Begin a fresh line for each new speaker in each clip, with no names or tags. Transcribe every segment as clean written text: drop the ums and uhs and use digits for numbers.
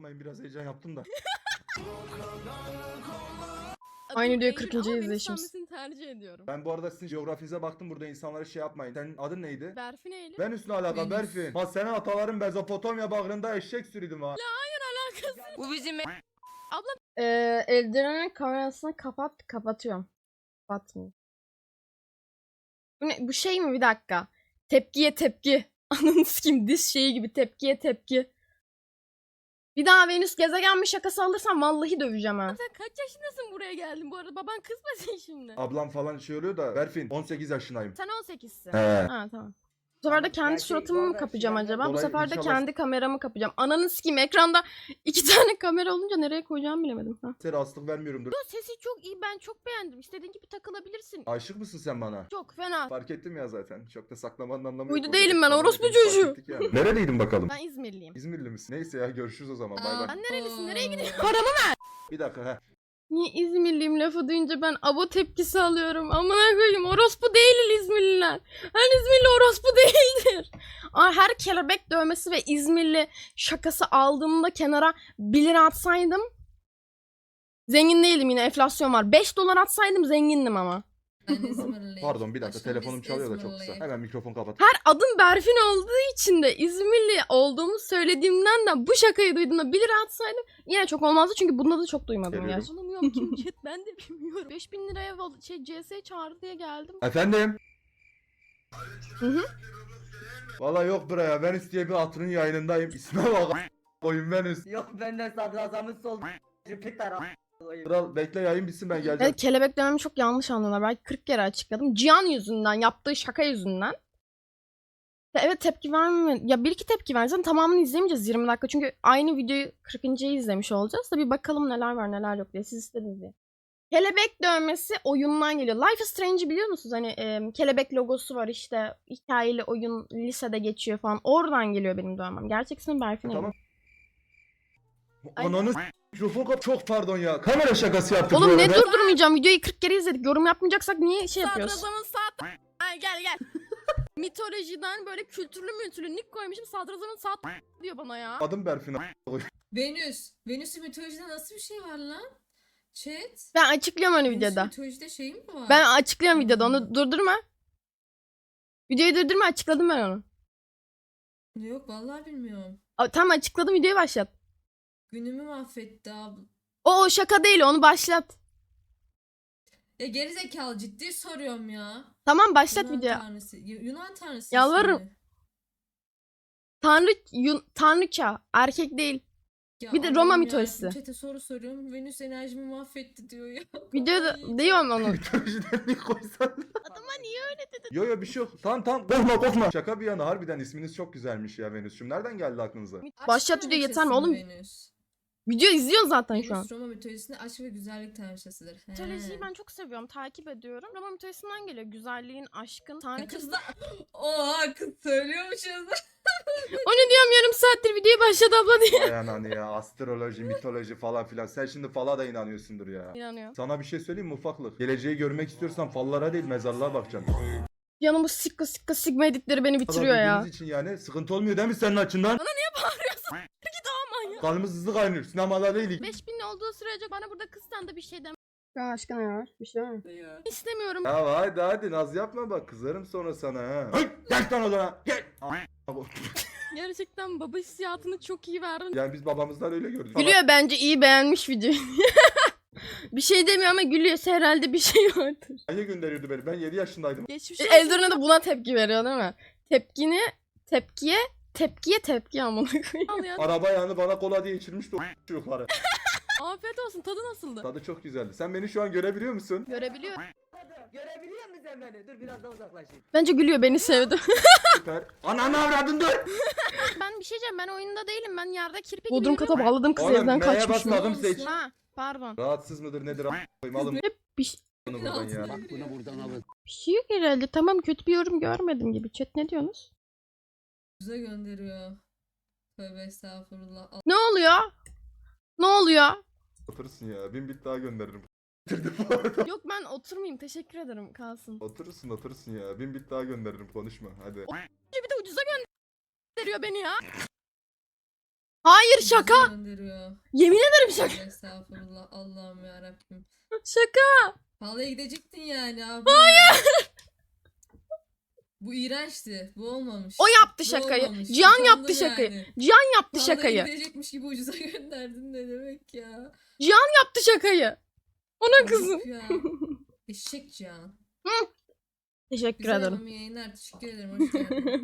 Bakmayın biraz heyecan yaptım da.
Aynı videoyu
Eylül
40.
ama beni
izleyişimiz.
sanmasını tercih ediyorum.
Ben bu arada sizin coğrafinize baktım, burada insanlara şey yapmayın. Senin adın neydi?
Berfin Eylül.
Venüs ne alaka
Venüs.
Berfin? Ha senin ataların Mezopotamya bağrında eşek sürüydüm ha.
Alakası.
Bu bizim
Eldirenin kamerasını kapatıyorum. Kapatmıyor. Bu ne? Bu şey mi? Bir dakika. Tepkiye tepki. Ananı sikeyim, diz şeyi gibi, tepkiye tepki. Bir daha Venüs gezegenmiş şakası alırsam vallahi döveceğim ha.
Sen kaç yaşındasın buraya geldin bu arada? Baban kızmasın şimdi.
Ablam falan şey oluyor da Berfin 18 yaşındayım.
Sen 18'sin.
He.
Ha tamam. Bu sefer de kendi
Gerçi
suratımı
bu
mı
arada
kapayacağım
şeyden
acaba? Bu
dolayı
sefer de
inşallah-
kendi kameramı kapayacağım. Ananı sikeyim, ekranda 2 tane kamera olunca nereye koyacağımı bilemedim. Ha.
Size rahatsızlık vermiyorumdur.
Yo, sesi çok iyi, ben çok beğendim. İstediğin gibi takılabilirsin.
Aşık mısın sen bana?
Çok fena.
Fark ettim ya zaten. Çok da saklamanın anlamı
Uydu
yok.
değilim ben,
Orada
orospu
hepimiz fark
çocuğu.
ettik yani. Neredeydin bakalım?
Ben İzmirliyim.
İzmirli misin? Neyse ya görüşürüz o zaman. Bay bay.
Ben nerelisin? Nereye gidiyorsun?
Paramı
Bir dakika he.
Niye İzmirliyim lafı duyunca ben abo tepkisi alıyorum. Amına koyayım, orospu değil İzmirliler. Her İzmirli orospu değildir. Her kelebek dövmesi ve İzmirli şakası aldığımda kenara 1 lira atsaydım zengin değildim, yine enflasyon var. 5 dolar atsaydım zengindim ama.
Ben İzmirliyim.
Pardon bir dakika
Aşkım,
telefonum
biz
çalıyor da çok kısa.
İzmirliyiz.
Hemen mikrofon kapat.
Her adım Berfin olduğu için de İzmirli olduğumu söylediğimden de bu şakayı duyduğumda 1 lira atsaydım yine çok olmazdı, çünkü bunda da çok duymadım
Geliyorum.
gerçi.
Tanımıyorum kim chat, ben de bilmiyorum. 5000 liraya CS çağırdı diye geldim.
Efendim?
Hı hı.
Valla yok buraya. Venüs diye bir hatırın yayınındayım. İsme bak. Koyun Venüs.
Yok benden sadrazamın sol Jüpiter
Kral bekle yayın bitsin ben geleceğim.
Evet, kelebek dövmemi çok yanlış anlıyorlar. Belki 40 kere açıkladım. Cihan yüzünden, yaptığı şaka yüzünden. Evet, tepki verme. Ya bir iki tepki versen tamamını izlemeyeceğiz 20 dakika. Çünkü aynı videoyu 40.'yı izlemiş olacağız. Da bir bakalım neler var neler yok diye. Siz istediniz diye. Kelebek dövmesi oyundan geliyor. Life is Strange'i biliyor musunuz? Hani kelebek logosu var işte. Hikayeli oyun lisede geçiyor falan. Oradan geliyor benim dövmem. Gerçek ismim Berfin Eylül.
Tamam.
Ay.
Ananı mikrofon kap. Çok pardon ya. Kamera şakası yaptık
Oğlum
bu
ne
arada.
durdurmayacağım? Videoyu 40 kere izledik. Yorum yapmayacaksak niye şey yapıyoruz?
Sadrazamın saat... Ay gel gel. Mitolojiden böyle kültürlü nick koymuşum. Sadrazamın saat diyor bana ya.
Adım Berfin.
Venüs. Venüs'ün mitolojide nasıl bir şey var lan? Chat.
Ben açıklıyorum hani
Venüs'ün
videoda.
mitolojide şey mi var?
Ben açıklıyorum videoda, onu durdurma. Videoyu durdurma, açıkladım ben onu.
Yok vallahi bilmiyorum.
Tamam, açıkladım, videoyu başlat.
Günümü mahvetti abi.
O şaka değil, onu başlat.
Ya gerizekalı ciddi soruyorum ya.
Tamam, başlat
Yunan
videoyu.
tanrısı. Yunan tanrısı.
Yalvarırım.
ismi.
Tanrıça, erkek değil.
Ya
Bir de
Allah'ım
Roma
yarabbim,
mitolojisi.
Chat'e soru soruyorum. Venüs enerjimi mahvetti diyor ya.
Videoda
Kafayı
diyorum onu.
Mitolojiden bir koysan.
Adama niye öyle dedin?
Yo bir şey yok. Tamam korkma. Şaka bir yana harbiden isminiz çok güzelmiş ya Venüs'cüm. Nereden geldi aklınıza?
Başlat
Aşk
videoyu, yeter mi
tanrıçası
oğlum?
Venüs.
Video izliyorsun zaten şu an.
Venüs Roma mitolojisinde aşk ve güzellik tanrıçasıdır. He.
Mitolojiyi ben çok seviyorum, takip ediyorum. Roma mitolojisinden geliyor. Güzelliğin, aşkın,
Ya
tanrıçası.
kız da... Oha kız söylüyormuşuz.
Onu diyorum, yarım saattir videoyu başlat abla diye.
Vay ananı ya. Astroloji, mitoloji falan filan. Sen şimdi fala da inanıyorsundur ya.
İnanıyor.
Sana bir şey söyleyeyim mi ufaklık? Geleceği görmek istiyorsan fallara değil mezarlığa bakacaksın.
Yanım bu sikka sigma editleri beni bitiriyor ya.
Bildiğiniz için yani sıkıntı olmuyor değil mi senin açından?
Bana niye bağırıyorsun? Git aman ya.
Kanımız hızlı kaynıyor. Sinemada değilik.
5000 olduğu sürece bana burada kızdan da bir şey demek
Aşkına ne var? Bir şey var mı?
istemiyorum.
Ya hadi naz yapma bak kızarım sonra sana ha. Gel lan odana gel.
Gerçekten baba hissiyatını çok iyi verdin.
Yani biz babamızdan öyle gördük.
Gülüyor, bence iyi beğenmiş videoyu. Bir şey demiyor ama gülüyorsa herhalde bir şey vardır.
Hangi gönderiyordu beni? Ben 7 yaşındaydım.
Geçmiş olsun.
Eldorna da buna tepki veriyor değil mi? Tepkiye tepki amına koyayım.
Al ya.
Araba yanı bana kola diye içirmişti o çocukları.
Afiyet olsun, tadı nasıldı?
Tadı çok güzeldi. Sen beni şu an görebiliyor musun?
Görebiliyorum.
Görebiliyor musun sen beni? Dur biraz daha uzaklaşayım.
Bence gülüyor, beni sevdi.
Süper. Ananı avradın dur.
Ben bir şey diyeceğim, ben oyunda değilim, ben yerde kirpi
Bodrum
gibi
kata
yürüyorum.
bağladım kızı,
Oğlum
evden
neye
kaçmış mı?
basmadım seç.
Ha pardon.
Rahatsız mıdır nedir a**ayım alın
Bir, şey-
bunu buradan ya.
Bak
Bunu buradan alın.
bir şey yok herhalde. Tamam, kötü bir yorum görmedim gibi. Chat ne diyorsunuz?
Bize gönderiyor. Tövbe estağfurullah.
Ne oluyor? Ne oluyor?
Oturursun ya. 1000 bit daha gönderirim. Bitirdim bu arada.
Yok ben oturmayayım, teşekkür ederim, kalsın.
Oturursun ya. 1000 bit daha gönderirim konuşma hadi.
Bir de ucuza gönderiyor beni ya.
Hayır, şaka.
Bize gönderiyor.
Yemin ederim şaka.
Estağfurullah Allah'ım yarabbim.
Şaka.
Halaya gidecektin yani abla. Hayır. Bu iğrençti. Bu olmamış.
O yaptı
Bu
şakayı.
olmamış.
Cihan
Utandım
yaptı şakayı.
yani.
Cihan yaptı
Halaya
şakayı.
gidecekmiş gibi ucuza gönderdin ne demek ya.
Yaptı şakayı. Ona kızım.
Ayıp ya. Eşek Cihan.
Teşekkür
Güzel
ederim.
hanım yayınlar. Teşekkür ederim. Hoş geldin.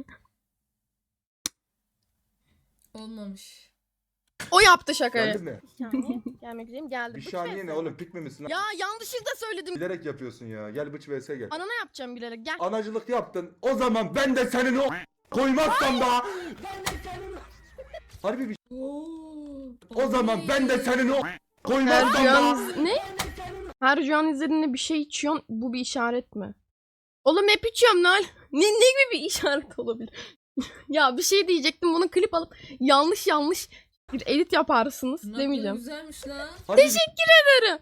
Olmamış.
O yaptı şakayı.
Geldin mi?
Gelmek üzereyim geldim.
Bir
Bıç
saniye
vs.
ne oğlum pik mi misin?
Ya yanlışlıkla söyledim.
Bilerek yapıyorsun ya. Gel bıç vs gel.
Anana yapacağım bilerek. Gel.
Anacılık yaptın. O zaman ben de senin o koymazsam da. Harbi bir
Oo.
O zaman ben de senin o
Her
koymazsam
Cihan
da.
ne? Her Cihan izlediğinde bir şey içiyorsun. Bu bir işaret mi? Oğlum hep içiyorum lan. Ne gibi bir işaret olabilir? Ya bir şey diyecektim. Bunu klip alıp yanlış bir edit yaparsınız.
Tırnakları
Demeyeceğim.
güzelmiş lan.
Harbi bir-
Ederim.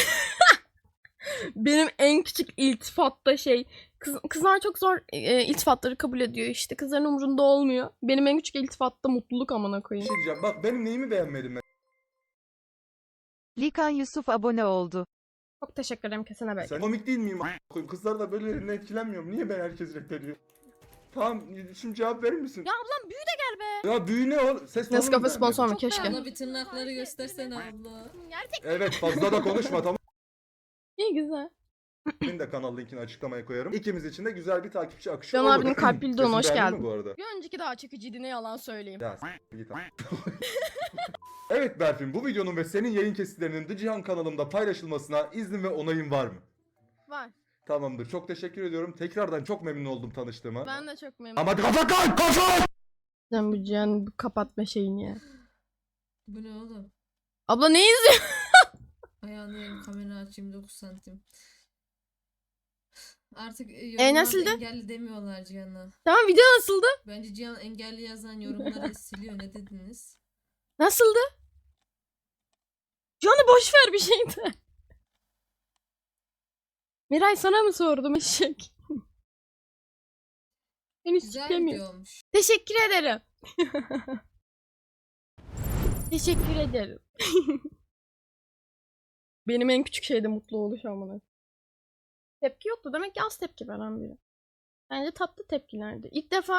Benim en küçük iltifatta şey. Kızlar çok zor iltifatları kabul ediyor işte. Kızların umurunda olmuyor. Benim en küçük iltifatta mutluluk amına
Bir
koyayım.
şey diyeceğim. Bak benim neyimi beğenmedin ben.
Likan Yusuf abone oldu.
Çok teşekkür ederim kesene belki.
Sen komik değil miyim? a**koyayım? Kızlar da böyle etkilenmiyorum. Niye ben herkes reddediyor? Tamam şimdi cevap verir misin?
Ya ablam büyü de gel be.
Ya büyü ne oğlum? Ses
Nescafe
tonunu
sponsor mu?
beğenmedim.
Keşke.
Abla bir tırnakları göstersene abla.
Gerçek.
Evet fazla da konuşma tamam.
İyi güzel.
Benim de kanal linkini açıklamaya koyarım. İkimiz için de güzel bir takipçi akışı
Can
olur.
abinin kalp bildiğine
Sesini
hoş
beğendin mi
geldin.
bu arada?
Bir önceki daha çekiciydi ne yalan söyleyeyim.
Ya git abi. Evet Berfin, bu videonun ve senin yayın kesitlerinin The Cihan kanalımda paylaşılmasına iznin ve onayın var mı?
Var.
Tamamdır. Çok teşekkür ediyorum. Tekrardan çok memnun oldum tanıştığıma.
Ben de çok memnunum.
Ama kafa!
Sen bu Cihan bu kapatma şeyini ya.
Bu ne oğlum?
Abla ne izliyor?
Ayağını kamera açayım 9 santim. Artık
nasıldı?
yorumlarda engelli demiyorlar Cihan'a.
Tamam video nasıldı?
Bence Cihan engelli yazan yorumları siliyor. Ne dediniz?
Nasıldı? Cihan'ı boş ver bir şey de. Miray sana mı sordum eşek? Henüz
Güzel
siklemiyor.
video olmuş.
Teşekkür ederim. Teşekkür ederim. Benim en küçük şeyde mutlu oluş amına. Tepki yoktu. Demek ki az tepki veren biri. Bence tatlı tepkilerdi. İlk defa